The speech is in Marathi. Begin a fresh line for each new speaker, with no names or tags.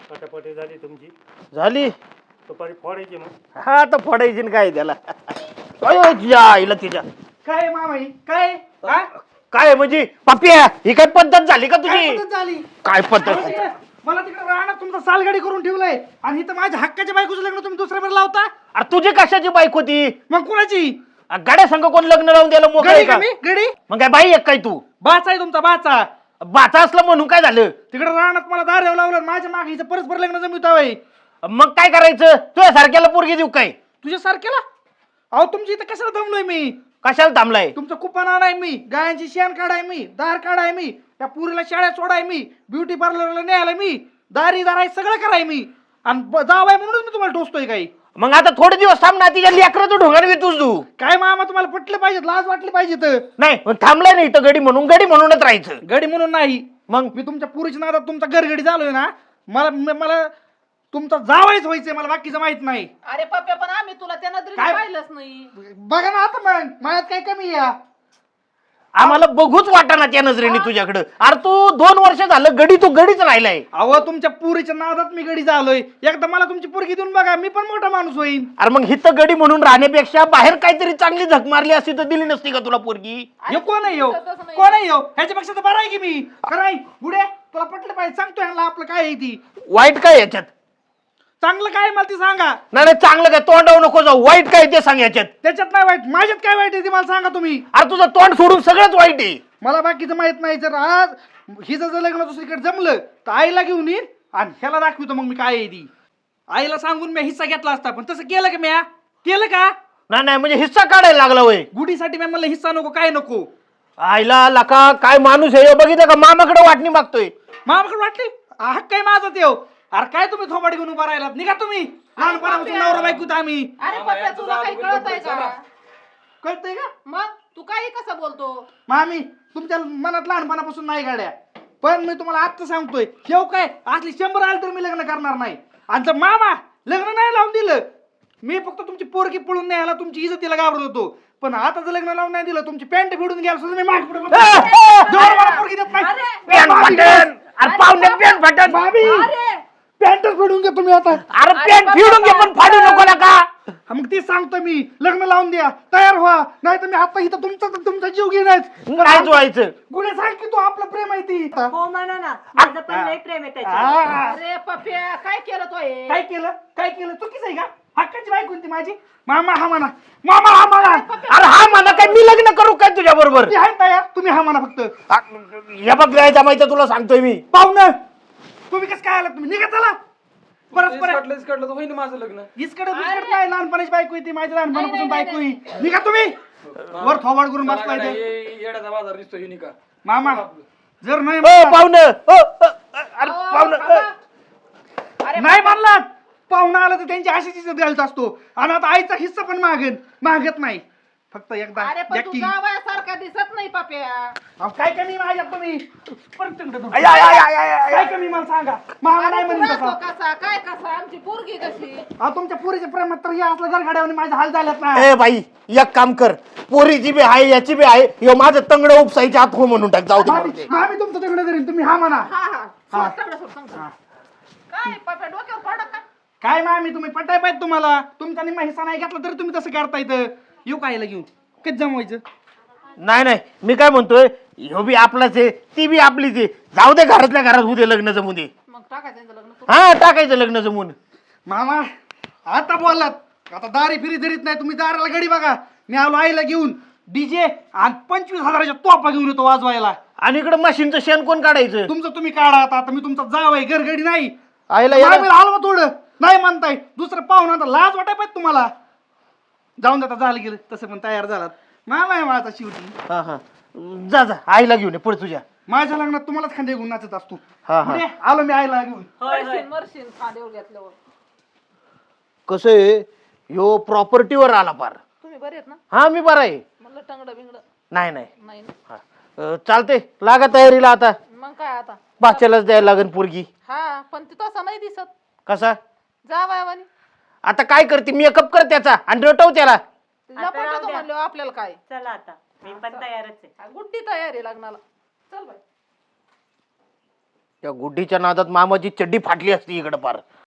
पटापटी झाली तुमची?
झाली.
दुपारी फोडायची मग.
हा आता फोडायची न काय त्याला. आईला तिच्या
काय मामाई काय हा?
काय म्हणजे पप्प्या ही काय पद्धत झाली का
काय
तुझी?
पद्धत झाली?
काय पद्धत?
मला तिकडे राहणार तुमचा सालगाडी करून ठेवलाय आणि इथं माझ्या हक्काच्या बायकोचं लग्न तुम्ही दुसऱ्यावर लावता.
अरे तुझी कशाची बाईक होती?
मग कुणाची
गाड्या संघ कोण लग्न लावून द्यायला मोकळे
गडी
का?
का मी गडी
मग काय बाई एक काय तू?
बाचा आहे तुमचा बाचा.
बाचा असलं म्हणून काय झालं?
तिकडे राहणार मला दार लावलं माझ्या मागे हिचं परस्पर लग्न जमवतावय.
मग काय करायचं? तुझ्या सारख्याला पोरगी देऊ काय?
तुझ्या सारखेला अहो तुमची इथं कशाला दमलोय मी?
कशाला थांबलाय?
तुमचं कुपन आणाय मी, गायांची शेण काढाय मी, दार काढाय मी, त्या पुरीला शाळेत सोडाय मी, ब्युटी पार्लरला न्यायला मी, दारी दाराय सगळं कराय मी आणि जावाय म्हणूनच मी तुम्हाला टोचतोय काही.
मग आता थोडे दिवस थांब ना, तिच्या लेकराचं ढोंगाने वितूस तू.
काय मामा तुम्हाला पटलं पाहिजे, लाज वाटली पाहिजे. तर
नाही मग थांबलाय नाही तर गडी म्हणूनच राहायचं.
गडी म्हणून नाही,
मग
मी तुमच्या पुरीच्या नादात तुमचा घरगडी झालोय ना. मला तुमचा जावायच व्हायचंय, मला बाकीचं माहित नाही.
अरे पप्प्या पण आम्ही तुला त्या नजरेने
काय?
पाहिलंच नाही.
बघा ना आता मग माझ्यात काय कमी आहे?
आम्हाला बघूच वाटाना त्या नजरेने तुझ्याकडं. अरे तू 2 वर्ष झालं गडी, तू गडीच राहिलाय.
अहो तुमच्या पुरीच्या नादात मी गडी झालोय. एकदा मला तुमची पोरगी देऊन बघा, मी पण मोठा माणूस होईन.
अरे मग हिथं गडी म्हणून राहण्यापेक्षा बाहेर काहीतरी चांगली झक मारली असती तर दिली नसती का तुला पोरगी?
हे कोण आहे?
तसं नाही.
कोण आहे? ह्याच्यापेक्षा तर बरं आहे की मी. खरंय बुड्या, तुला पटलं पाहिजे, सांगतोय ह्याला आपलं काय आहे ती.
वाईट काय याच्यात?
चांगलं काय मला ती सांगा.
नाही नाही, चांगलं काय तोंडावर नको जाऊ. वाईट काय ते सांग याच्यात.
त्याच्यात नाही वाईट, माझ्यात काय वाईट आहे ते मला सांगा तुम्ही.
अरे तुझं तोंड सोडून सगळंच वाईट आहे.
मला बाकीचं माहित नाही. जर आज हिचं जर लग्न दुसरीकडे जमलं तर आईला घेऊन येईन आणि ह्याला दाखवतो मग मी काय आहे ती. आईला सांगून मी हिस्सा घेतला असता, पण तसं केलं का म्या? केलं का?
नाही नाही म्हणजे हिस्सा काढायला लागला वय.
गुढीसाठी मी म्हणलं हिस्सा नको, काय नको.
आईला लका काय माणूस आहे बघितलं का? मामाकडे वाटणी मागतोय.
मामाकडे वाटली हक्क काय माझा तेव. अरे काय तुम्ही थोबाड घेऊन उभा राहिलात? निघा तुम्ही. लहानपणापासून नवरा बायकोत आम्ही.
अरे पप्प्या तुला काही कळत आहे का?
कळतंय का?
मग तू काही कसं बोलतो?
मामी तुमच्या मनात लहानपणापासून नाही गाड्या, पण मी तुम्हाला आत्ता सांगतोय, शेव काय असली 100 आलं तर मी लग्न करणार नाही. आणि जर मामा लग्न नाही लावून दिलं, मी फक्त तुमची पोरगी पळून न्यायला तुमची इज्जतीला घाबरत होतो. पण आता जर लग्न लावून नाही दिलं, तुमची पॅन्ट फिडून घ्यायला सुद्धा मी मागे पुढे जोर मला पोरगी देत नाही.
पेन फाटन. अरे पाहुणे पेन फाटन.
मामी
अरे
पॅन्टच फिडून घ्या तुम्ही आता.
अरे पेन फिरून घे पण फाडू नको नका.
मग ती सांगतो मी, लग्न लावून द्या, तयार व्हा, नाही तर मी आता इथं तुमचा जीव घेणार.
काय जोडायचं?
गुन्हे सांग की तू आपलं प्रेम आहे ती.
हो म्हणा ना, माझं पण लय प्रेम आहे त्याच्यावर.
अरे पप्प्या काय केलं तो हे?
काय केलं चुकीचं आहे का? हक्काची बायको कोणती माझी? मामा हा म्हणा, मामा हा म्हणा.
अरे हा म्हणा काय मी लग्न करू काय तुझ्या बरोबर?
ती आहे तयार, तुम्ही हा म्हणा फक्त.
हे बघ काय जमायचं तुला सांगतोय मी.
पाहुणं तुम्ही कसं काय आलात? तुम्ही निघा चला. परस्पर
काढलं तर होईल माझं लग्न.
इसकडे दुसरीकडे काय, लहानपणाची बायको आहे ती, माझी लहानपणापासून बायको आहे. निघा तुम्ही. वर थोबाड करून बसलाय ते.
येड्याचा बाजार दिसतो हे का
मामा जर नाही
ओ पाहुणं, अरे
अहो,
पाहुणं.
बाबा. अरे
नाही म्हणलात, पाहुणा आला तर त्यांची अशीच इज्जत द्यायचा असतो. आणि आता आईचा हिस्सा पण मागत नाही. फक्त एकदा
अरे पण तू
यक्की.
जावयासारखा दिसत नाही पप्प्या.
अहो, काय कमी माझ्यात तुम्ही? परत तिकडे तुम्ही.
आय, आय, आय, आय, आय, आय.
काय कमी मला सांगा. मामा नाही
तू
म्हणून
राहतो
तसा.
कसा काय कसा आमची पोरगी कशी?
अहो, तुमच्या पुरीच्या प्रेमात तर हे असलं घरगाड्यावर माझे हाल झालेत ना.
ए बाई एक काम कर, पोरीची बी आहे याची बी आहे. ह्यो माझं तंगड उपसायच्या आत हो म्हणून टाक. जाऊ दे मरू दे.
मामी तुमचं तिकडे धरीन, तुम्ही हा म्हणा.
हा हा सोड, तेवढं सोड, सांग, सांग. काय पप्प्या डोक्यावर पडत का?
काय मामी तुम्ही पटाय पाहिजे तुम्हाला. तुमचा निम्मा हिस्सा नाही घेतला तरी तुम्ही तसं करता इथं. येऊ कायला घेऊन कधी जमवायचं?
नाही नाही मी काय म्हणतोय, ह्यो बी आपलाच आहे, ती बी आपलीच आहे. जाऊ दे, घरातल्या घरात उद्या लग्न जमू दे.
मग टाकायचं यांचं लग्न करून.
हा टाकायचं लग्न जमून.
मामा आता बोललात, आता दारी फिरी धरीत नाही तुम्ही. दाराला गडी बघा, मी आलो आईला घेऊन डीजे आणि 25,000च्या तोफा घेऊन येतो वाजवायला.
आणि इकडं मशीनचं शेण कोण काढायचं?
तुमचं तुम्ही काढा. आता मी तुमचा जाव आहे, घरगडी नाही.
आईला
मामीला हलवा थोडं, नाही म्हणताय. दुसरं पाहुणा आता लाज वाटाय पाहिजे तुम्हाला. जाऊन देता, झालं गेलं तसं पण तयार झालात. मामा आहे माझा शेवटी.
हा हा जा जा आईला घेऊन ये पुढे तुझ्या.
माझ्या लग्नात तुम्हालाच खांदे घेऊन नाचत असतो.
हा हा
म्हणजे आलो मी आईला घेऊन.
मरशील खांद्यावर घेतल्यावर.
कसं आहे, ह्यो प्रॉपर्टीवर आला पार.
तुम्ही बरे आहेत ना?
हा मी बरा आहे.
म्हणलं टंगड बिंगड
नाही नाही
नाही ना?
हा. चालते, लागा तयारीला आता.
मग काय आता?
बाच्यालाच द्यायला लागेल पोरगी.
हा पण ती तसा नाही दिसत.
कसा?
जावयावानी
आता काय करते, मेकअप कर त्याचा आणि रटव त्याला.
लपटतो म्हणलो आपल्याला काय.
चला आता, मी पण तयारच आहे.
गुड्डी तयारी लग्नाला. चल बाई.
त्या गुड्डीच्या नादात मामाची चड्डी फाटली असती इकडं पार.